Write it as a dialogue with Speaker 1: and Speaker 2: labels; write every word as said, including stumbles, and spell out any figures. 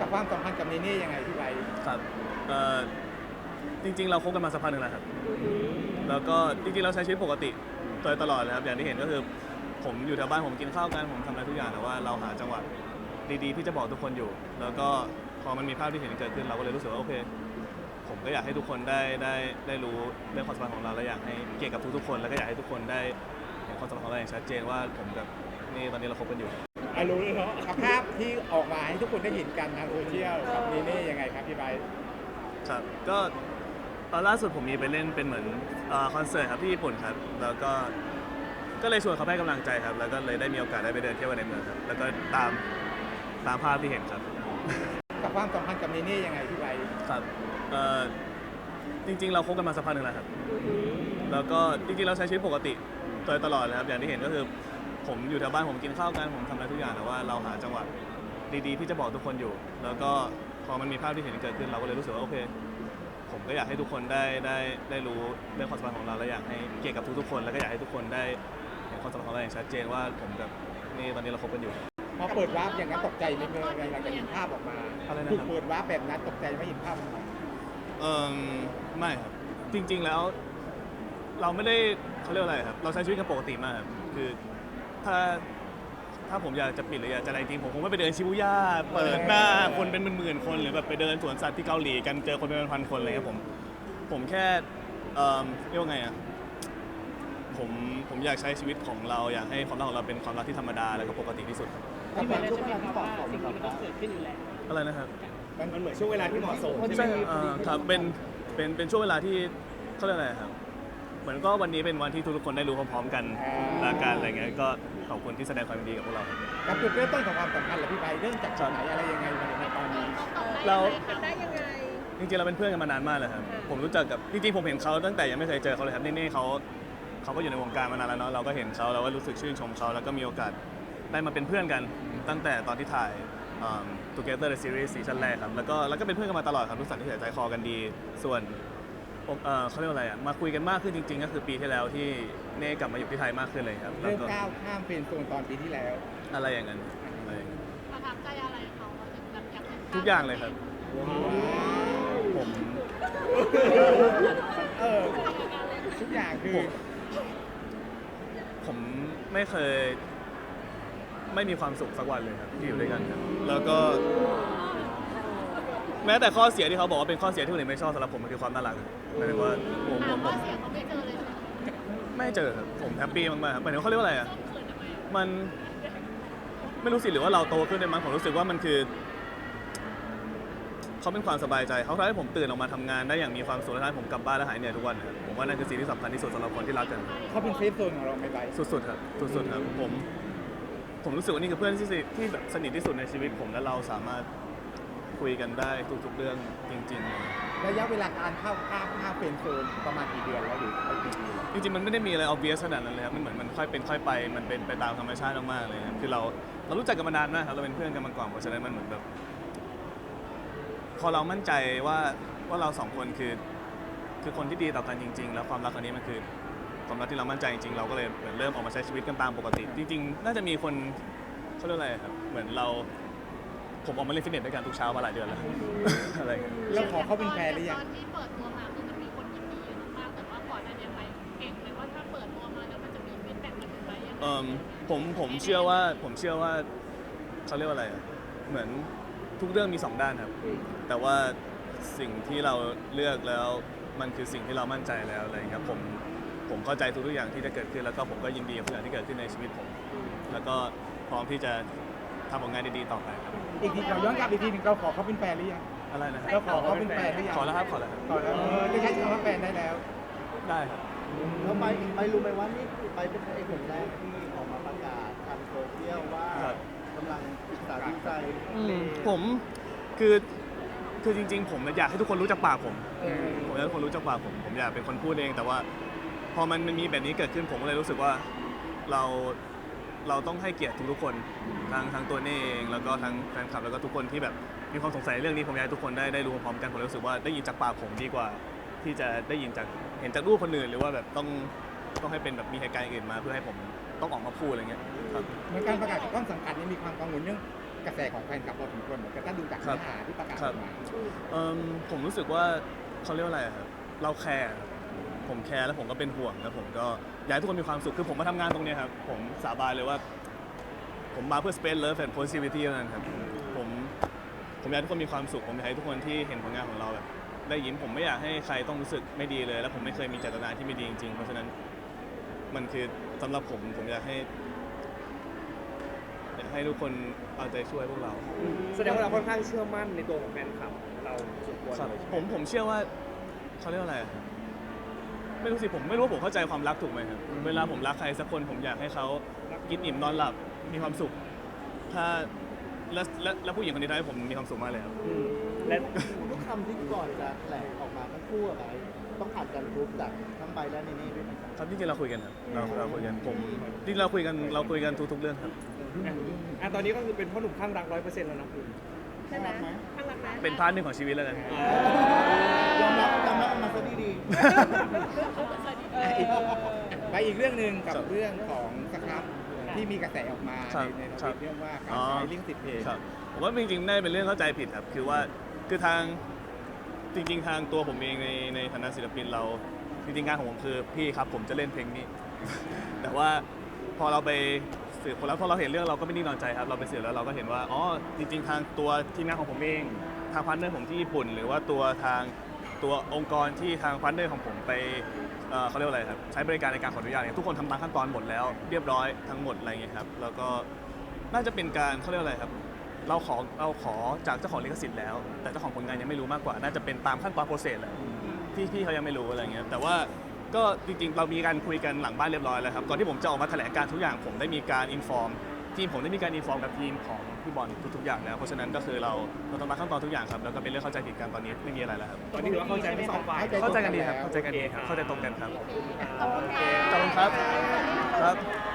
Speaker 1: กับความสัมพันธ์กับเนเน่ยังไงพี่ไบร์ท
Speaker 2: ครับเอ่อจริงๆเราคบกันมาสักพักหนึ่งแล้วครับแล้วก็จริงๆเราใช้ชีวิตปกติโดยตลอดเลยครับอย่างที่เห็นก็คือผมอยู่แถวบ้านผมกินข้าวกันผมทำอะไรทุกอย่างแต่ว่าเราหาจังหวะดีๆที่จะบอกทุกคนอยู่แล้วก็พอมันมีภาพที่เห็นเกิดขึ้นเราก็เลยรู้สึกว่าโอเคผมก็อยากให้ทุกคนได้ได้ได้รู้เรื่องความสัมพันธ์ของเราและอยากให้เกียรติกับทุกๆคนแล้วก็อยากให้ทุกคนได้เห็นความสัมพันธ์ของเราอย่างชัดเจนว่าผมกับนี่ตอนนี้เราคบกันอยู่
Speaker 1: อ่ะรู้เลยเนาะภาพที่ออกมาให้ทุกคนได้เห็นกันทางโซเชียลกับเนเน่ยังไงครับพี่ไบร์ท
Speaker 2: ครับก็ตอนล่าสุดผมมีไปเล่นเป็นเหมือนคอนเสิร์ตครับที่ญี่ปุ่นครับแล้วก็ก็เลยชวนเขาให้กำลังใจครับแล้วก็เลยได้มีโอกาสได้ไปเดินเที่ยวในเมืองครับแล้วก็ตามตามภาพที่เห็นครับ
Speaker 1: กับความสัมพันธ์กับเนเน่ยังไงพี่ไบร์ท
Speaker 2: ครับเอ่อจริงๆเราคบกันมาสักพักหนึ่งแล้วครับแล้วก็จริงๆเราใช้ชีวิตปกติโดยตลอดเลยครับอย่างที่เห็นก็คือผมอยู่แถวบ้านผมกินข้าวกันผมทำอะไรทุกอย่างแต่ว่าเราหาจังหวะดีๆที่จะบอกทุกคนอยู่แล้วก็พอมันมีภาพที่เห็นเกิดขึ้นเราก็เลยรู้สึกว่าโอเคผมก็อยากให้ทุกคนได้ได้ได้รู้เรื่องความสัมพันธ์ของเราและอยากให้เกียรติกับทุกๆคนแล้วก็อยากให้ทุกคนได้เห็นความสัมพันธ์ของเราอย่างชัดเจนว่าผมกับนี่ตอนนี้เราคบกันอยู่
Speaker 1: พอเปิดวาร์ปอย่างนั้นตกใจไหมเมื่อหลังจากเห็นภาพออกมา
Speaker 2: อะไรนะ
Speaker 1: ถูกเปิดวาร์ปแบบนั้นตกใจไม่เห็นภาพออกมา
Speaker 2: เออไม่ครับจริงๆแล้วเราไม่ได้เขาเรียกอะไรครับเราใช้ชีวิตกันปกติมากครับคือถ้าถ้าผมอยากจะปิดหรืออยากจะอะไรจริงผมคงไม่ไปเดินชิบูย่าเปิดหน้าคนเป็นหมื่นๆคนหรือแบบไปเดินสวนสัตว์ที่เกาหลีกันเจอคนเป็นพันคนอะไรเงี้ยผมผมแค่เอ่อเรียกว่าไงอ่ะผมผมอยากใช้ชีวิตของเราอยากให้ความรักของเราเป็นความรักที่ธรรมดาแล้วก็ปกติที่สุด
Speaker 3: ที่เป็นช่วงเวลาที่เหมาะสมกับเราเกิดขึ้นอยู่แล้ว
Speaker 2: อะไรนะครับ
Speaker 1: มันเหมือนช่วงเวลาที่เหมาะสม
Speaker 2: ใช่ครับเป็นเป็นเป็นช่วงเวลาที่เขาเรียกอะไรครับเหมือนก็วันนี้เป็นวันที่ทุกคนได้รู้พร้อมๆกันละกันอะไรเงี้ยก็ขอบคุณที่แสดงความดีกับพวกเรา
Speaker 1: กับจุดเริ่มต้นของความสัมพันธ์เหรอพี่ไบร์ทเริ่มจากจุดไหนอะไรยังไงมาถึงตอนนี้
Speaker 2: เรา
Speaker 4: ได้ยังไง
Speaker 2: จริงๆเราเป็นเพื่อนกันมานานมากเลยครับผมรู้จักกับจริงๆผมเห็นเขาตั้งแต่ยังไม่เคยเจอเขาเลยครับนี่ๆเขาเขาก็อยู่ในวงการมานานแล้วเนาะเราก็เห็นเขาเราก็รู้สึกชื่นชมเขาแล้วก็มีโอกาสได้มาเป็นเพื่อนกันตั้งแต่ตอนที่ถ่าย Together the Series ซีซั่นแรกครับแล้วก็แล้วก็เป็นเพื่อนกันมาตลอดครับรู้สึกที่ใจคอกันดีส่วนเขาเรียกว่าอะไรอ่ะมาคุยกันมากขึ้นจริงๆก็คือปีที่แล้วที่เน่กลับมาอยู่ที่ไทยมากขึ้นเลยครับ
Speaker 1: เริ่มก้าวข้ามเป็นโซนตอนปีที่แล้ว
Speaker 2: อะไรอย่างนั้น
Speaker 4: ประทับใจอะไรเขาแบบอยาก
Speaker 2: ทุกอย่างเลยครับผม
Speaker 1: เออทุกอย่างคือ
Speaker 2: ผมไม่เคยไม่มีความสุขสักวันเลยครับที่อยู่ด้วยกันครับแล้วก็แม้แต่ข้อเสียที่เขาบอกว่าเป็นข้อเสียที่คนอื่นไม่ชอบสำหรับผมมันคือความน่ารักหมายถึงว่าผมผมผมไม่เจอครับผมแฮปปี้มากๆครับหมายถึงเขาเรียกว่าอะไรอ่ะมันไม่รู้สิหรือว่าเราโตขึ้นได้มั้งผมรู้สึกว่ามันคือเขาเป็นความสบายใจเขาทำให้ผมตื่นออกมาทำงานได้อย่างมีความสุขและทำให้ผมกลับบ้านและหายเหนื่อยทุกวันครับผมว่านั่นคือสิ่งที่สำคัญที่สุดสำหรับคนที่รักกัน
Speaker 1: เขาเป็นเซฟโซนของเราไหมไบร์ท
Speaker 2: สุดๆครับสุดๆครับผมผมรู้สึกว่านี่คือเพื่อนที่ที่แบบสนิทที่สุดในชีวิตผมและเราสามารถคุยกันได้ทุกๆเรื่องจริง
Speaker 1: ๆระยะเวลาการเข้าข้ามข้ามเป็นโซนประมาณกี่เดือนแล้วหรือกี่ปี
Speaker 2: จริงๆมันไม่ได้มีอะไร obvious ขนาดนั้นเลยครับมันเหมือนมันค่อยเป็นค่อยไปมันเป็นไปตามธรรมชาติมากๆเลยครับคือเราเรารู้จักกันมานานมากครับเราเป็นเพื่อนกันมาก่อนเพราะฉะนั้นมันเหมือนแบบพอเรามั่นใจว่าว่าเราสองคนคือคือคนที่ดีต่อกันจริงๆแล้วความรักครั้งนี้มันคือความรักที่เรามั่นใจจริงๆเราก็เลยเหมือนเริ่มออกมาใช้ชีวิตกันตามปกติจริงๆน่าจะมีคนเขาเรียกอะไรครับเหมือนเราผมออกมาเล่นฟิตเนสด้วยกันทุกเช้ามาหลายเดือนแล้วอะไรกัน
Speaker 1: แล้วขอเขาเป็นแฟนหรือยัง
Speaker 4: ตอนที่เปิดตัวมาคือมันมีคนยินดีเยอะมากแต่ว่าก่อนหน้านี้ไปเก่งเลยว่าถ้าเปิดตัวมาแล้วมันจะมีฟีดแบ็กมาถึงไปยังไง
Speaker 2: ผมผมเชื่อว่าผมเชื่อว่าเขาเรียกว่าอะไรเหมือนทุกเรื่องมีสองด้านครับแต่ว่าสิ่งที่เราเลือกแล้วมันคือสิ่งที่เรามั่นใจแล้วอะไรครับผมผมเข้าใจทุกๆอย่างที่จะเกิดขึ้นแล้วก็ผมก็ยินดีกับทุกอย่างที่เกิดขึ้นในชีวิตผมแล้วก็พร้อมที่จะทำผลงานดีๆต่อไปครับ
Speaker 1: อีกทีเราย้อนกลับอีกทีนึงเราขอเขาเป็นแฟนหรือยัง
Speaker 2: อะไรนะครับ
Speaker 1: เราขอเขาเป็นแฟนหรือยัง
Speaker 2: ขอแล้วครับขอแล้ว
Speaker 1: ขอแล้วได้ใช้คำว่าแฟนได้แล้ว
Speaker 2: ได้ครับ
Speaker 3: แล้วไปไปรู้ไหมว่านี่ไปเป็นไอ้คนแรกที่ออกมาประกาศทางโซเชียลว่ากำลังศึกษาวิจัย
Speaker 2: ผมคือคือจริงๆผมอยากให้ทุกคนรู้จักปากผมผมอยากให้ทุกคนรู้จักปากผมผมอยากเป็นคนพูดเองแต่ว่าพอมันมีแบบนี้เกิดขึ้นผมก็เลยรู้สึกว่าเราเราต้องให้เกียรติทุกๆคนทั้งทั้งตัวนี่เองแล้วก็ทั้งแฟนคลับแล้วก็ทุกคนที่แบบมีความสงสัยเรื่องนี้ผมอยากให้ทุกคนได้ได้รู้พร้อมกันผมรู้สึกว่าได้ยินจากปากผมดีกว่าที่จะได้ยินจากเห็นจากรูปคนอื่นหรือว่าแบบต้องต้องให้เป็นแบบมีเหตุการณ์อื่นมาเพื่อให้ผมต้องออกมาพูดอะไรเงี้ยครับ
Speaker 1: เหมือนการประกาศของต้นสังกัดนี่มีความกังวลเรื่องกระแสของแฟนคลับพอสมควรเหมือนกันถ้าดูจากเนื้อหาที่ประกาศออกมา
Speaker 2: เอิ่มผมรู้สึกว่าเขาเรียกว่าอะไรอะครับเราแคร์ครับผมแคร์แล้วผมก็เป็นห่วงแล้วผมก็อยากให้ทุกคนมีความสุขคือผมมาทำงานตรงเนี้ยครับผมสาบานเลยว่า ผมมาเพื่อ space love and positivity เท่านั้นครับผมผมอยากให้ทุกคนมีความสุขผมอยากให้ทุกคนที่เห็นผลงานของเราแบบได้ยิ้มผมไม่อยากให้ใครต้องรู้สึกไม่ดีเลย แล้วผมไม่เคยมีเจตนาที่ไม่ดีจริงๆเพราะฉะนั้นมันคือสำหรับผมผมอยากให้อยากให้ทุกคนเอาใจช่วยพวกเรา
Speaker 5: แสดงว่าเราค่อนข้างเชื่อมั่นในตัวของแฟนคลับเราสุดควร
Speaker 2: ครับ
Speaker 5: เลย
Speaker 2: ผมผมเชื่อว่าเขาเรียกว่าอะไรอะไม่รู้สิผมไม่รู้ว่าผมเข้าใจความรักถูกไหมครับเวลาผมรักใครสักคนผมอยากให้เขากินอิ่มนอนหลับมีความสุข ถ้าและและและผู้หญิงคนนี้ทำให้ผมมีความสุขมากเลยครับ
Speaker 5: อืมและ
Speaker 3: ทุกคำที่ก่อนจะแถลงออกมาทั้งคู่อะไรต้องผ่านการรูปจากทั้งใบและเนเน่ด้วยไหมครับ
Speaker 2: ครับจริงๆเราคุยกันครับเราเราคุยกันผมจริงๆเราคุยกันเราคุยกันทุกๆเรื่องครับ
Speaker 5: อ่ะอ่ะตอนนี้ก็คือเป็นพ่อหนุ่มข้างรักร้อยเปอร์เซ็นต์แล้วนะคุณ
Speaker 3: ใช่ไหม
Speaker 4: ข้างหลังนะ
Speaker 2: เป็นพาร์ทหนึ่งของชีวิตแล้วกัน
Speaker 3: ยอมรับยอมรับมาซะดี
Speaker 1: ไปอีกเรื่องหนึ่งกับ
Speaker 2: ครับ
Speaker 1: เรื่องของสครับที่มีกระแสออกมา
Speaker 2: ครับ
Speaker 1: ในในท
Speaker 2: ครั
Speaker 1: วิ
Speaker 2: บ
Speaker 1: ตเรื่องว่าการ
Speaker 2: อ๋อ
Speaker 1: ใช้ลิงก์ติดเพจ
Speaker 2: ครับผมว่าจริงๆน่าจะเป็นเรื่องเข้าใจผิดครับคือว่าคือทางจริง ๆ ทางตัวผมเองในในฐานะศิลปินเราจริงๆงานของผมคือพี่ครับผมจะเล่นเพลงนี้ แต่ว่าพอเราไปสืบคนแล้วพอเราเห็นเรื่องเราก็ไม่นิ่งนอนใจครับเราไปสืบแล้วเราก็เห็นว่าอ๋อจริง ๆ ทางตัวทีมงานของผมเองทางพาร์ทเนอร์ผมที่ญี่ปุ่น หรือว่าตัวทางตัวองค์กรที่ทางพาร์ทเนอร์ของผมไปเอ่อเขาเรียกว่าอะไรครับใช้บริการในการขออนุญาตเนี่ยทุกคนทำตามขั้นตอนหมดแล้วเรียบร้อยทั้งหมดอะไรเงี้ยครับแล้วก็น่าจะเป็นการเขาเรียกว่าอะไรครับเราขอเราขอจากเจ้าของลิขสิทธิ์แล้ว แต่เจ้าของผลงานยังไม่รู้มากกว่า น่าจะเป็นตามขั้นตอนโปรเซสแหละที่พี่เขายังไม่รู้อะไรเงี้ยแต่ว่าก็จริงๆเรามีการคุยกันหลังบ้านเรียบร้อยแล้วครับก่อนที่ผมจะออกมาแถลงการทุกอย่างผมได้มีการอินฟอร์มทีมผมได้มีการอินฟอร์มกับทีมของพี่บอลทุกๆอย่างแล้วเพราะฉะนั้นก็คือเราเราต้องมาขั้นตอนทุกอย่างครับแล้วก็เป็นเรื่องเข้าใจผิดกันตอนนี้ไม่มีอะไรแล้วครับ
Speaker 5: ตอนนี้ถือว่าเข้าใจทั้งสองฝ่าย
Speaker 2: เข้าใจกันดีครับเข้าใจกันดีครับเข้าใจตรงกันครับ
Speaker 4: โอเค
Speaker 2: ขอบคุณครับครับ